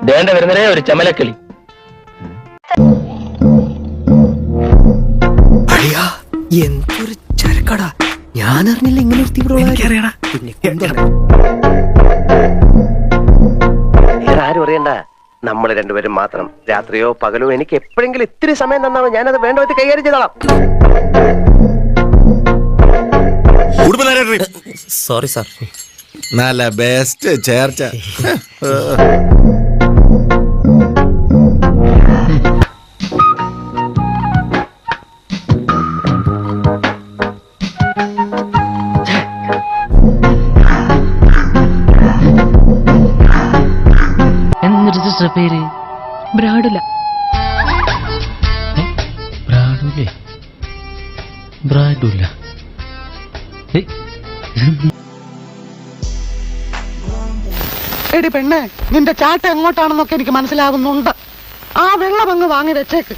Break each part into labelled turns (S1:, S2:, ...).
S1: ദേണ്ട വരുന്നതേ ഒരു ചെമലക്കിളി.
S2: എന്തൊരു ചരക്കടാ, ഞാൻ അറിഞ്ഞില്ല ഇങ്ങനെ
S3: ആരും അറിയണ്ട, നമ്മൾ രണ്ടുപേരും മാത്രം. രാത്രിയോ പകലോ എനിക്ക് എപ്പോഴെങ്കിലും ഇത്തിരി സമയം തന്നാണ് ഞാനത് വേണ്ട വിധത്തിൽ കൈകാര്യം ചെയ്തോളാം.
S2: Sorry sir.
S4: നല്ല ബെസ്റ്റ് ചേർച്ച.
S1: എന്നിട്ട് പേര്
S5: ബ്രാഡുല.
S1: ബ്രാഡുലേ? ബ്രാഡുല.
S6: എടി പെണ്ണെ, നിന്റെ ചാട്ട എങ്ങോട്ടാണെന്നൊക്കെ എനിക്ക് മനസ്സിലാകുന്നുണ്ട്. ആ വെള്ളം അങ്ങ് വാങ്ങി വെച്ചേക്ക്.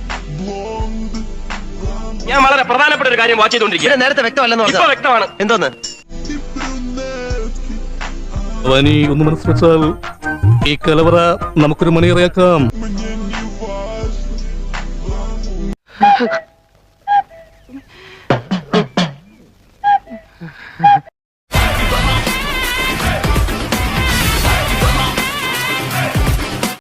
S3: ഞാൻ വളരെ പ്രധാനപ്പെട്ട ഒരു കാര്യം വാച്ച് ചെയ്തോണ്ടിരിക്കുക. നേരത്തെ വ്യക്തമല്ലെന്ന് പറഞ്ഞാൽ വ്യക്തമാണ്. എന്തോന്ന്
S7: ഒന്ന് മനസ്സിൽ വെച്ചാൽ ഈ കലവറ നമുക്കൊരു മണിയറിയാക്കാം.